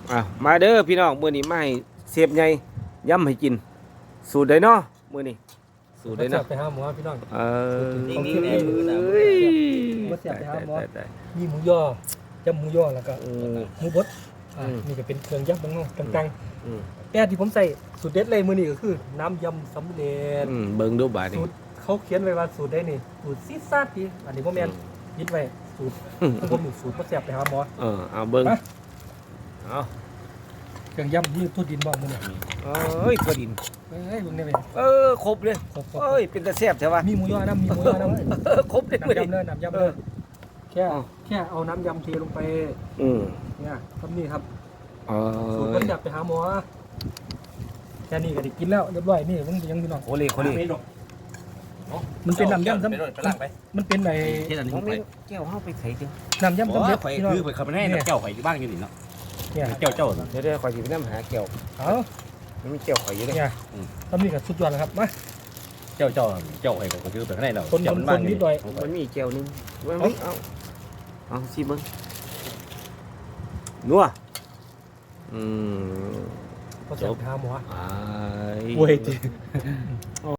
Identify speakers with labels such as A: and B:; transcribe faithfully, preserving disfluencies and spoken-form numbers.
A: อ่ะมาเด้อพี่น้องมื้อนี้มาให้เสียบใหญ่ย้ำให้กินสูตรใดเนาะมื้อนี้สูตรใดเนาะ
B: ไปหาหมอพี่น้อง
A: เออ
B: ของ
A: เ
B: ที่นี่มือนะ
A: อ้ย
B: บ่เสียบไปหาหมอ
A: ตายตาย
B: มีหมูย่อจำหมูย่อแล้วก็
A: อืม
B: หมูบดอ่า
A: อืม
B: นี่ก็เป็นเครื่องยับของน้องกลาง
A: อืม
B: ๆแต่ที่ผมใส่สูตรเด็ดเลยมื้อนี้ก็คือน้ำยำสำเร็จ
A: อืมเบิ่งดูบาดนี้
B: สูตรเขาเขียนไว้ว่าสูตรได้นี่สูตรซีดซาดดีอันนี้บ่แม่นยึดไว้สูตร
A: อืม
B: ของผมนี่สูตรบ่แซ่บไปหาหมอ
A: เออเอาเบิ่ง
B: มา
A: เอา
B: เครื่องยำนี่ทั่วดินบ่มื้อนี้
A: เอ้ยถั่วดิน
B: เอ้ยเบิ่งได้ไหม
A: เออครบเลย
B: ครบ
A: เอ้ยเป็นตาแซ่บใช่ป่ะ
B: ๆมีหมูย่อน้ำมีหมูย่อน้ำ
A: เออครบเลยมื้อ
B: น้ำ
A: นี้
B: ยำเลยน้ำยำเลยแค่แค่เอาน้ำยำเทลงไป
A: อืม
B: เนี่ยทำนี่ครับ
A: เอ
B: สูตร
A: อ
B: ก็จับไปหาหมอแค่นี้ก็ได้กินแล้วเรียบร้อยนี่มันยังพี่น้อง
A: โคเลโคเล
B: มันเป็นน้ำยำซ้ำ
C: ไปไปล้างไป
B: มันเป็นไอ้
C: เฮ็ดอันนี้
A: ผม
C: ไป
A: มีแก้วเฮาไปไสจัง
B: น้ำยำ
C: โอ้
B: สำเร็จ
C: ข่อย
B: พี่น้อง
C: คือข่อยขับไปให้เจ้าข่อยอยู่บ้านอยู่นี่เนาะ
B: เนี่ย
C: เจ้าเจ้า
A: เดี๋ยวๆข่อยสิไปนำหาแก้ว
B: เอา
A: มันมีแก้วข่อยอยู่เด้
B: เนี่ยทำนี่ก็สุดยอดแล้วครับมา
C: เจ้าเจ้าเจ้าข่อยก็คือไปข้างในเรา
B: คน
C: เจ้า
B: คน
C: บ้าน
B: นิดหน่อย
A: มันมีแก้วหนึงมันมีเอาเอาสิเบิ่งนัวอืม
B: ก็จะไปหาหมอ
A: ไอ้
B: เว้ย